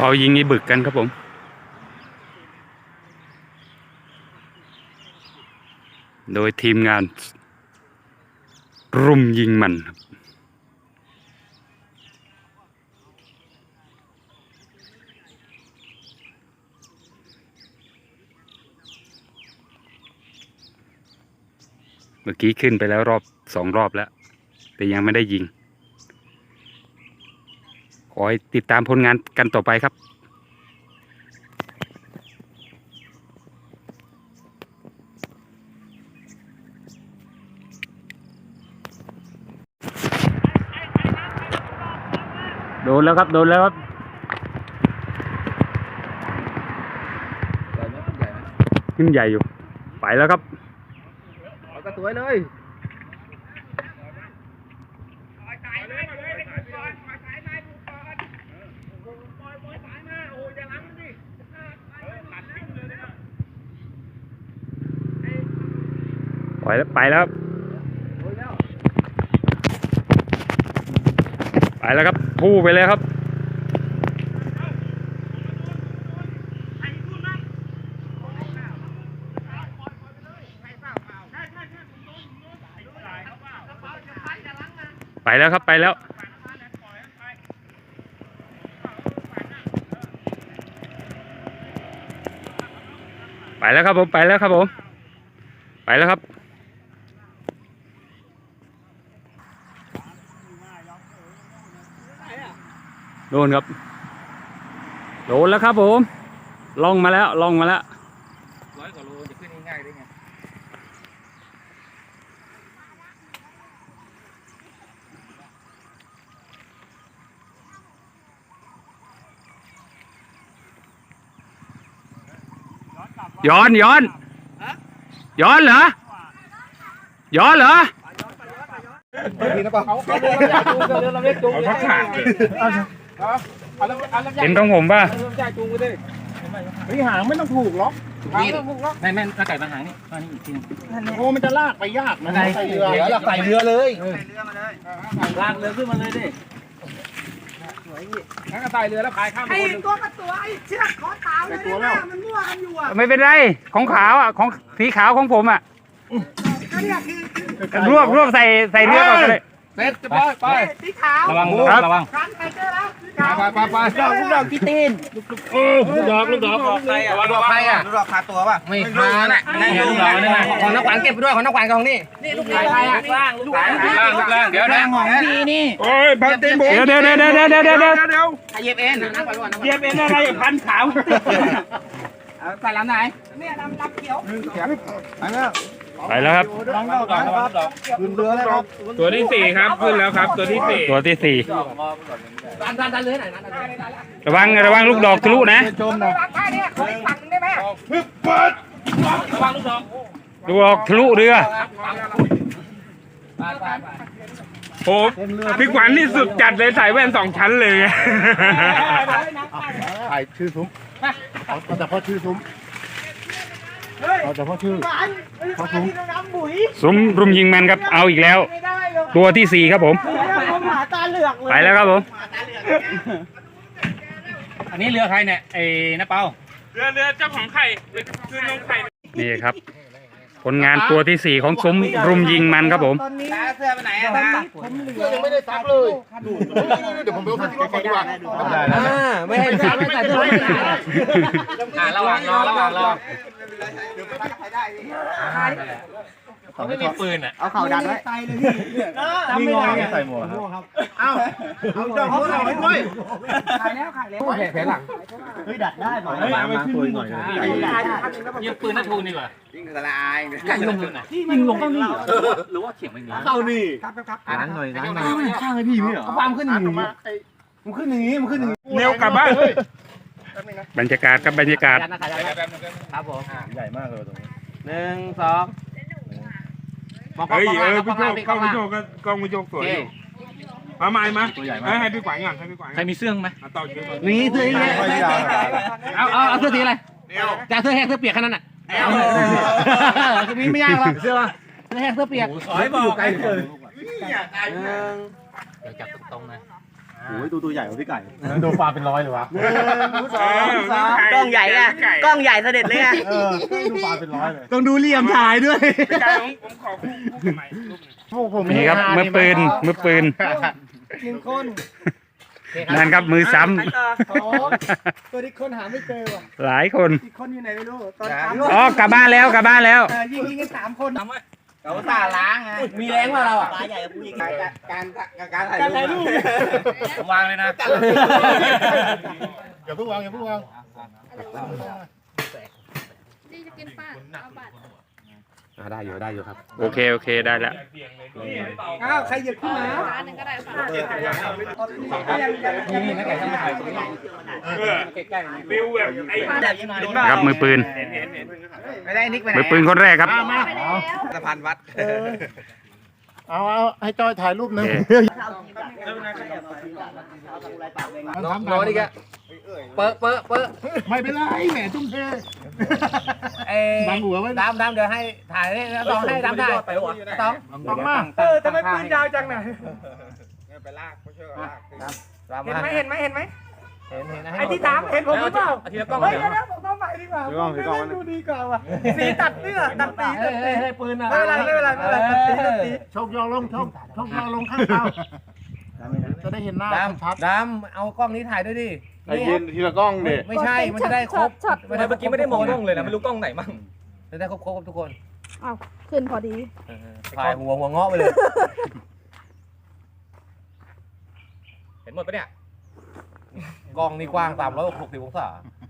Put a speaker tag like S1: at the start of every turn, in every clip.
S1: เรายิงไอ้บึกกันครับผมโดยทีมงานรุมยิงมันเมื่อกี้ขึ้นไปแล้ว2 รอบแล้วแต่ยังไม่ได้ยิงขอให้ติดตามผลงานกันต่อไปครับโดนแล้วครับโดนแล้วครับขึ้นใหญ่อยู่ไปแล้วครับ
S2: ก็สวยเลย
S1: ไปแล้วไปแล้วครับพู่ไปเลยครับไปแล้วครับไปแล้วไปแล้วครับผมไปแล้วครับผมไปแล้วครับโดนครับโดนแล้วครับผมล่องมาแล้ว100 กว่าโลจะขึ้นง่ายๆได้ไงย้อนเหรอย้อนเหรอเห็นตรงผมป่ะ
S2: หางไม่ต้องผูกหรอก
S3: ไม่ถ้าไก่มาหางนี่นี่อีกที
S2: โอ้มันจะลากไปยากมันใส่เรือเลยลากเรือขึ้นมาเลยดิงั้นก็ใส่เรือแล้วพายข้ามไป
S4: ตัวกับตัวไอ้เชือกขอเท้าเลยนะมันมั่วกันอยู่อ่ะ
S1: ไม่เป็นไรของขาวอ่ะของสีขาวของผมอ่ะรวบใส่เรือก่อนเลย
S2: เสร็จจะไป
S4: สีขาว
S3: ระวัง
S4: กันไปเจอแล้ว
S2: ไปลูกดอกพี่ตีนลูกดอกใครอ่ะลูกดอกใครอ่ะลูกดอกคาตัวป่ะไม่คาน่ะนั่นลูกดอกนี่นะของนักขวัญเก็บไปด้วยของนักขวัญกองนี่
S4: ลูกใครอ่ะ
S2: ลูกล่างเดี๋ยวนะ
S3: ของพี่นี่
S2: โอ้ยพันตีนผม
S1: เดี๋ยว
S3: เหยียบเอ็น
S1: อะไรพันขาว
S3: ใส่ลำไหน
S4: เนี่ยลำเขียว
S1: ไปแล้วครับ
S2: ขึ้นเรือแล้วครับ
S5: ตัวที่4ครับขึ้นแล้วครับตัวที่4
S3: ดันเรือหน่อยนะ
S1: ระวังลูกดอกทะลุนะ
S4: ชมนะเนี่ยขออีกฝั่งได้ไหม
S3: ระวังลูกดอก
S1: ลูกดอกทะลุเรือ
S5: โอ้พี่ขวัญนี่สุดจัดเลยใส่แว่น2 ชั้นเลย
S2: ถ่ายชื่อซุ้มเอาแต่พอชื่อซุ้มเอาแต่พอชื่อ
S1: ซุ้มรุมยิงมันครับเอาอีกแล้วตัวที่4ครับผมไปแล้วครับผม
S3: อันนี้เรือใครเนี่ยไอ้น้าเปา
S5: เรือเจ้าของไข่คือน้องไข่
S1: นี่ครับผลงานตัวที่4ของซุ้มรุมยิงมันครับผม
S3: เสื้อไปไหนอะ
S2: เสื้อยังไม่ได้ซักเลยเดี๋ยวผมไปเอาที่รถก่อนดีกว่า
S3: ไม่ให้ซักไม่ใส่เสื้อระหว่างรอเขาไม่มีปืนอ่ะ
S2: เอาเข่าดันไว้
S4: มีงอ
S2: ใส่หมวกครับเอาดอกเขาใส่ด้วย
S4: ขายแล้ว
S2: แผลหลังเฮ้ยดัดได้หน่อยมาคุยหน่อย
S3: ยิงปืนนัททูนดีกว่า
S2: ยิงกระไร
S3: ยิงลงเลยยิงลงเข้านี่หรือว่าเขียงไม่มี
S2: เข้านี่
S4: ครับ
S2: นั้นหน่อยข้างให้พี่ไม่เหรอความขึ้นอย่างนี้มันขึ้นอย่างนี้
S5: เร็วกลับบ้าน
S1: บรรยากาศครับบรรยากาศ
S3: ครับผม
S2: ใหญ่มากเลยตรงนี้
S3: 1 2
S5: เฮ้ยพี่โจกล้องพี่โจกสวยมาใหม่มาให้พี่ขวัญก่อนให้พี่ขวัญ
S3: ใครมีเสื้อไหม
S5: ต่อคิว
S3: มีเสื้อเอาเสื้อสีอะไรจะเสื้อแห้งเสื้อเปียกแค่นั้นน่ะมีไม่ยากหรอกเสื้อแห้งเสื้อเปียก
S2: สอยบอกไกลเลย
S3: เดี๋ยวจับตรงๆนะโอ้ยตัวใหญ่กว่าพี่ไก่ดูปลาเป็นร้อยเลยวะ
S2: กล้องใหญ่ไงกล้องใหญ่เสด็จเลยไง
S3: ดูปลาเป็นร้อยเลยต้องดูเหลี่ยมถ่ายด้วย
S5: พี่ไก่ผมขอคู่ใหม่รูปหนึ่ง
S1: นี่ครับมือปืนนั่นครับมือซ้
S4: ตัวที่คนหาไม่เจอว่ะ
S1: ำหลายคน
S4: อีกคนอยู่ไหนไม่รู้ตอน
S1: อ๋อกลับบ้านแล้ว
S4: ยิงกัน3 คน
S2: เราตาล้างไงมีแรงว่าเราอ่ะปลาใหญ่กับผู้หญิงการถ่ายรูปวางเลยนะ
S3: อย่าเพิ่งวาง
S6: นี่จะกินป้าเอาบัตร
S3: ได้อยู่ครับ
S1: โอเคได้แล้ว
S4: อ้าวใครหยิบขึ้นมา
S6: ร้านหนึงก็ได้ค่ะ
S2: นี่นะแกทำไมถ่ายตรงนี้
S5: ฟิวแบบไอ้
S1: ครับมือปืน
S2: ไม่ได้นิกไปไหน
S1: มือปืนคนแรกครับ
S6: ไปแล้ว
S2: สะพานวัด
S3: เอาให้จอยถ่ายรูปหนึ่ง
S2: น้องนี่แกเปอะ
S3: ไม่เป็นไรแหมทุ่มเท
S2: บังหัวไว้ดำเดี๋ยวให้ถ่ายเลยต้องให้ดำถ่ายต้องมา
S4: ทำไมปืนยาวจังน่ะ
S2: ไปลากไม่เชื่อลาก
S4: เห็นไหมเห็นไ
S2: เห็น
S4: ไอ้ที่ถามเห็นผมหรือเปล่า
S2: ทีละกล้อง
S4: เฮ้ยเดี๋ยวผมต้องใหม่ดีกว่าดูดีกว่าว่ะสีตัดเสื้อตัดสี
S2: ให้ปืนอ่ะ
S4: ไม่เป็นไรตัดสี
S3: ชกยอลงชกยอลงข้างเตาจะได้เห็นหน้าชัด
S2: ดำเอากล้องนี้ถ่ายด้วยดิ
S3: ไอ้ยืนทีละกล้องดิ
S2: ไม่ใช่มันจะได้ครบ
S7: เมื่อกี้ไม่ได้มองกล้องเลยนะไม่รู้กล้องไหนมั่ง
S2: จะได้ครบทุกคน
S6: อ้าวขึ้นพอดี
S2: ถ่ายหัวเงาะไปเลย
S7: เห็นหมดปะเนี่ย
S2: กล้องนี่กว้าง360องศา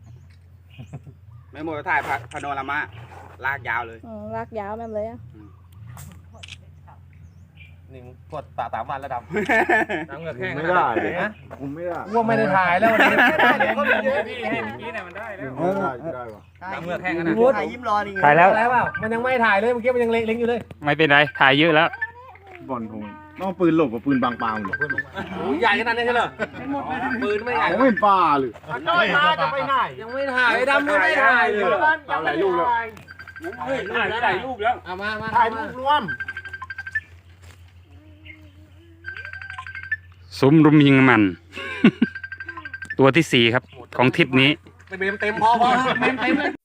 S8: ไม่หมดถ่ายพาโนรามาลากยาวเลย
S6: ลากยาวแม่นเลยอะ
S2: นี่กด3 วันแล้วดำ
S7: น้ำเหงือกแห้ง
S3: ไม่ได้คุมไม่ได้
S2: ว่าไม่ได้ถ่ายแล้ววันนี้
S7: พี่ให้เมื่อกี้เนี่ยมันได้แล้ว
S3: ได้ว่ะ
S7: น้ำเหงือกแห้งกันนะ
S4: ถ่ายยิ้มรอนี่
S1: ถ่ายแล้ว
S2: อะไรเปล่ามันยังไม่ถ่ายเลยเมื่อกี้มันยังเล็งอยู่เลย
S1: ไม่เป็นไรถ่ายเยอะแล้ว
S3: บอลทงต้องปืนหลบกับปืนบางปางหลบ
S2: ใหญ่ขนาดนี้ใช่เหรอปืนไม่ใหญ่
S3: ไม่ปลาหรือ
S4: จะไปไหน
S2: ยังไม่ถ่ายดำไม่ถ่ายเลย
S3: เอาหลายลูกแล้ว
S5: ถ่ายรูปแล้ว
S2: เอามา
S3: ถ่ายรูปรวม
S1: ซุ้มรุมยิงมัน ตัวที่ 4 ครับ ของทริปนี้
S2: เต็มพอเต็มเลย